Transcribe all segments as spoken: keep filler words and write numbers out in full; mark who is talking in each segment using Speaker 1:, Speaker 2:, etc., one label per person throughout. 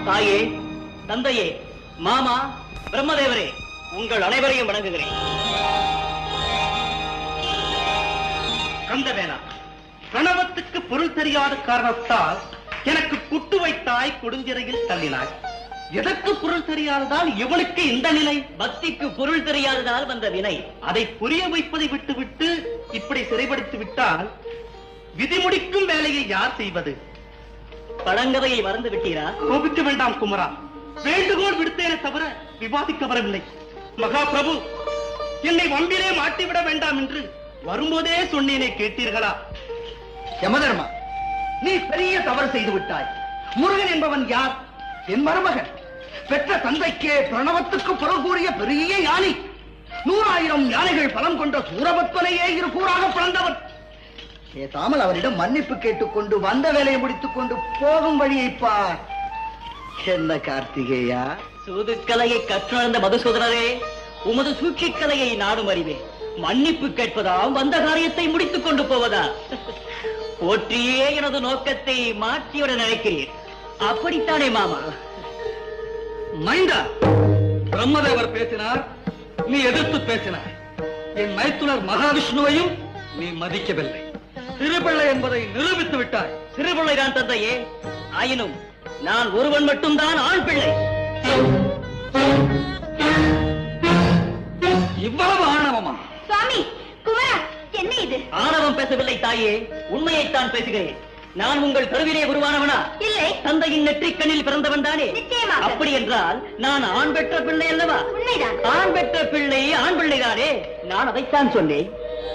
Speaker 1: தாயே, தந்தையே, மாமா, பிரம்மதேவரே, உங்கள் அனைவரையும் வணங்குகிறேன். கந்தவேலா, பிரணவத்துக்கு பொருள் தெரியாத காரணத்தால் எனக்கு குட்டு வைத்தாய், கொடுஞ்சிறையில் தள்ளினாய். எதற்கு பொருள் தெரியாததால் இவனுக்கு இந்த நிலை? பக்திக்கு பொருள் தெரியாததால் வந்த வினை. அதை புரிய வைப்பதை விட்டுவிட்டு இப்படி சிறைப்படுத்தி விட்டால் விதிமுடிக்கும் வேலையை யார் செய்வது? பழங்கதையை மறந்து விட்டீரா? கோபிக்க வேண்டாம் குமரா, வேண்டுகோள் விடுத்தேனே தவிர விவாதிக்க வரவில்லை. மகா பிரபு, என்னை வம்பிலே மாட்டிவிட வேண்டாம் என்று வரும்போதே சொன்னேனே, கேட்டீர்களா? யமதர்மா, நீ பெரிய தவறு செய்து விட்டாய். முருகன் என்பவன் யார்? என் மருமகன். பெற்ற தந்தைக்கே பிரணவத்துக்கு பொருள் கூறிய பெரிய யானை. நூறாயிரம் யானைகள் பலம் கொண்ட சூரபத்மனையே இரு கூறாக பிளந்தவன். பேசாமல் அவரிடம் மன்னிப்பு கேட்டுக்கொண்டு வந்த வேலையை முடித்துக் கொண்டு போகும் வழியை பார். என்ன கார்த்திகேயா? சூதுக்கலையை கற்றுணர்ந்த மதுசூதனரே, உமது சூழ்ச்சிக்கலையை நாடும் அறிவேன். மன்னிப்பு கேட்பதா, வந்த காரியத்தை முடித்துக் கொண்டு போவதா? போற்றியே எனது நோக்கத்தை மாற்றிவிட நினைக்கிறீர், அப்படித்தானே மாமா?
Speaker 2: மைந்தா, பிரம்மதேவர் பேசினார், நீ எதிர்த்து பேசினார். என் மைத்துனர் மகாவிஷ்ணுவையும் நீ மதிக்கவில்லை. சிறுபிள்ளை என்பதை நிரூபித்து விட்டாய்.
Speaker 1: சிறுபிள்ளைதான் தந்தையே, ஆயினும் நான் ஒருவன் மட்டும்தான் ஆண் பிள்ளை.
Speaker 2: இவ்வளவு ஆணவமா?
Speaker 3: சுவாமி, குமரா, என்ன இது?
Speaker 1: ஆணவம் பேசவில்லை தாயே, உண்மையைத்தான் பேசுகிறேன். நான் உங்கள் கருவிலே உருவானவனா?
Speaker 3: இல்லை.
Speaker 1: தந்தையின் நெற்றிக்கண்ணில் பிறந்தவன் தானே?
Speaker 3: நிச்சயமாக.
Speaker 1: அப்படி என்றால் நான் ஆண் பெற்ற பிள்ளை அல்லவா?
Speaker 3: உண்மைதான்.
Speaker 1: ஆண் பெற்ற பிள்ளை ஆண் பிள்ளைதானே, நான் அதைத்தான் சொன்னேன்.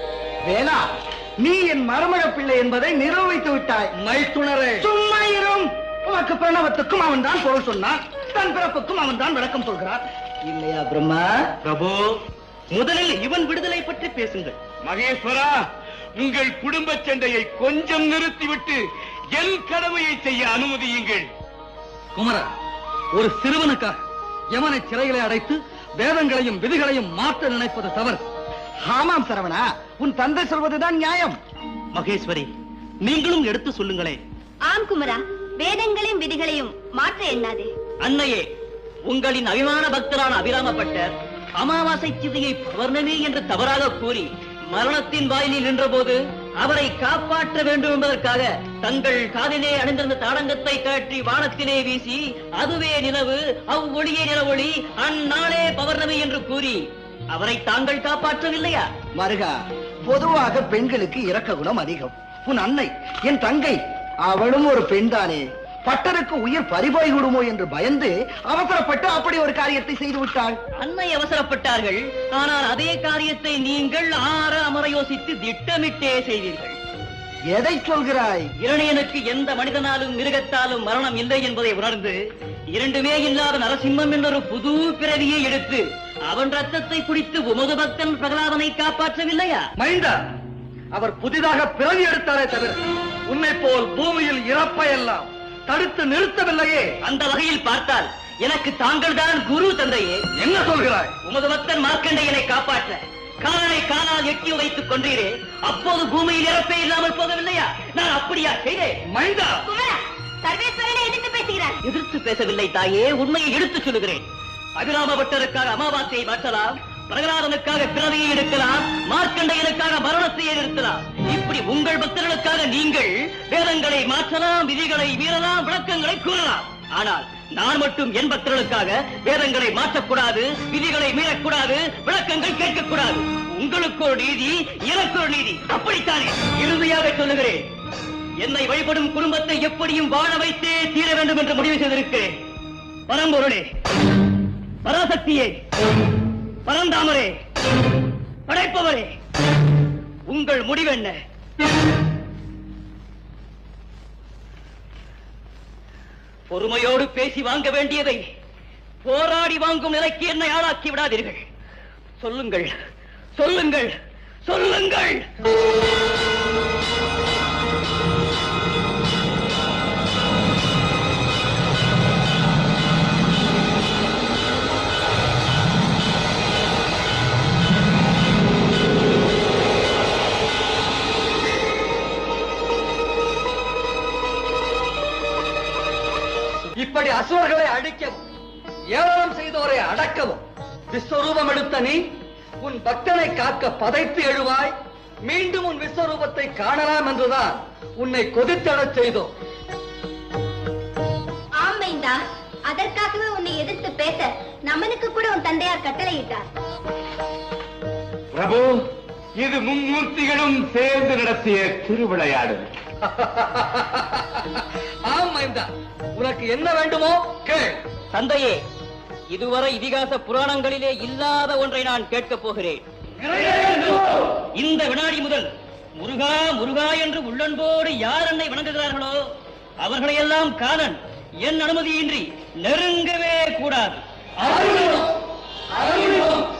Speaker 2: வேணா, நீ என் மருமக பிள்ளை என்பதை நிரூபித்து விட்டாய். மைத்துணரே, சும்மா இரும். உனக்கு பிரணவத்துக்கும் அவன் தான் பொருள் சொன்னான், தன் பிறப்புக்கும் அவன் தான் விளக்கம் சொல்கிறார். இல்லையா பிரம்மா?
Speaker 1: பிரபு, முதலில் இவன் விடுதலை பற்றி பேசுங்கள்.
Speaker 4: மகேஸ்வரா, உங்கள் குடும்ப சண்டையை கொஞ்சம் நிறுத்திவிட்டு என் கடமையை செய்ய அனுமதியுங்கள்.
Speaker 2: குமரா, ஒரு சிறுவனுக்காக யமனை சிறைகளை அடைத்து வேதங்களையும் விதிகளையும் மாற்ற நினைப்பது தவறு. ஆமாம் சரவணா, உன் தந்தை சொல்வதுதான் நியாயம்.
Speaker 1: மகேஸ்வரி, நீங்களும் எடுத்து சொல்லுங்களே.
Speaker 3: ஆம் குமரா, வேதங்களையும் விதிகளையும் மாற்ற எண்ணாதே.
Speaker 1: அன்னையே, உங்களின் அபிமான பக்தரான அபிராமப்பட்டர் அமாவாசை சிதையை பௌர்ணமி என்று தவறாக கூறி மரணத்தின் வாயிலில் நின்ற போது அவரை காப்பாற்ற வேண்டும் என்பதற்காக தங்கள் காதிலே அணிந்திருந்த தாடங்கத்தை கழற்றி வானத்திலே வீசி அதுவே நிலவு, அவ்வொளியே நிலவொளி, அந்நாளே பௌர்ணமி என்று கூறி அவரை தாங்கள் காப்பாற்றவில்லையா?
Speaker 2: மருகா, பொதுவாக பெண்களுக்கு இரக்க குணம் அதிகம். உன் அன்னை, என் தங்கை, அவளும் ஒரு பெண் தானே. பட்டருக்கு உயிர் பறிபோய் விடுமோ என்று பயந்து அவசரப்பட்டு அப்படி ஒரு காரியத்தை செய்து விட்டாள்.
Speaker 1: அன்னை அவசரப்பட்டார்கள், ஆனால் அதே காரியத்தை நீங்கள் ஆற அமர யோசித்து திட்டமிட்டே செய்தீர்கள்.
Speaker 2: எதை சொல்கிறாய்?
Speaker 1: இரணியனுக்கு எந்த மனிதனாலும் மிருகத்தாலும் மரணம் இல்லை என்பதை உணர்ந்து இரண்டுமே இல்லாத நரசிம்மம் என்றொரு புது பிறவியை எடுத்து அவன் ரத்தத்தை குடித்து உமது பக்தன் பிரகலாதனை காப்பாற்றவில்லையா?
Speaker 2: மைந்தா, அவர் புதிதாக பிறவி எடுத்தாரே தவிர உன்னை போல் பூமியில் இறப்பையெல்லாம் தடுத்து நிறுத்தவில்லையே.
Speaker 1: அந்த வகையில் பார்த்தால் எனக்கு தாங்கள் தான் குரு தந்தையே.
Speaker 2: என்ன சொல்கிறாய்?
Speaker 1: உமது பக்தன் மார்க்கண்டையனை காப்பாற்ற காலனை காலால் எட்டி வைத்துக் கொண்டீரே, அப்போது பூமியில் இறப்பே இல்லாமல் போகவில்லையா? நான் அப்படியா செய்தேன்?
Speaker 2: மைந்தா,
Speaker 3: குமரா, சர்வேஸ்வரனை எதிர்த்து பேசுகிறார்.
Speaker 1: எதிர்த்து பேசவில்லை தாயே, உண்மையை எடுத்துச் சொல்லுகிறேன். அபிராம பட்டருக்காக அமாவாசையை மாற்றலாம், பிரகலாதனுக்காக பிறவியை எடுக்கலாம், மார்க்கண்டையனுக்காக மரணத்தையே நிறுத்தலாம். இப்படி உங்கள் பக்தர்களுக்காக நீங்கள் வேதங்களை மாற்றலாம், விதிகளை மீறலாம், விளக்கங்களை கூறலாம். ஆனால் நான் மட்டும் என் பக்தர்களுக்காக வேதங்களை மாற்றக்கூடாது, விதிகளை மீறக்கூடாது, விளக்கங்கள் கேட்கக்கூடாது. உங்களுக்கு ஒரு நீதி, எனக்கு ஒரு நீதி, அப்படித்தானே? இறுதியாக சொல்லுகிறேன், என்னை வழிபடும் குடும்பத்தை எப்படியும் வாழ வைத்தே தீர வேண்டும் என்று முடிவு செய்திருக்கிறேன். பரம்பொருளே, பராசக்தியே, பரந்தாமரே, படைப்பவரே, உங்கள் முடிவென்ன? பொறுமையோடு பேசி வாங்க வேண்டியதை போராடி வாங்கும் நிலைக்கு என்னை ஆளாக்கி விடாதீர்கள். சொல்லுங்கள், சொல்லுங்கள், சொல்லுங்கள்.
Speaker 2: இப்படி அசுவ அசுரர்களை அழிக்கவும் ஏளனம் செய்தோரை அடக்கவும் விஸ்வரூபம் எடுத்த நீ உன் பக்தனை காக்க பதைத்து எழுவாய். மீண்டும் உன் விஸ்வரூபத்தை காணலாம் என்றுதான் உன்னை கொதித்தடச் செய்தோம்.
Speaker 3: ஆமைந்தா, அதற்காகவே உன்னை எதிர்த்து பேச நமனுக்கு கூட உன் தந்தையார் கட்டளையிட்டார்.
Speaker 4: பிரபு, இது மும்மூர்த்திகளும் சேர்ந்து நடத்திய திருவிளையாடு.
Speaker 2: ஆமைந்தா, உனக்கு என்ன வேண்டுமோ கேள்.
Speaker 1: தந்தையே, இதுவரை இதிகாச புராணங்களிலே இல்லாத ஒன்றை நான் கேட்கப் போகிறேன். இந்த வினாடி முதல் முருகா முருகா என்று உள்ளன்போடு யார் என்னை வணங்குகிறார்களோ அவர்களையெல்லாம் காலன் என் அனுமதியின்றி நெருங்கவே கூடாது.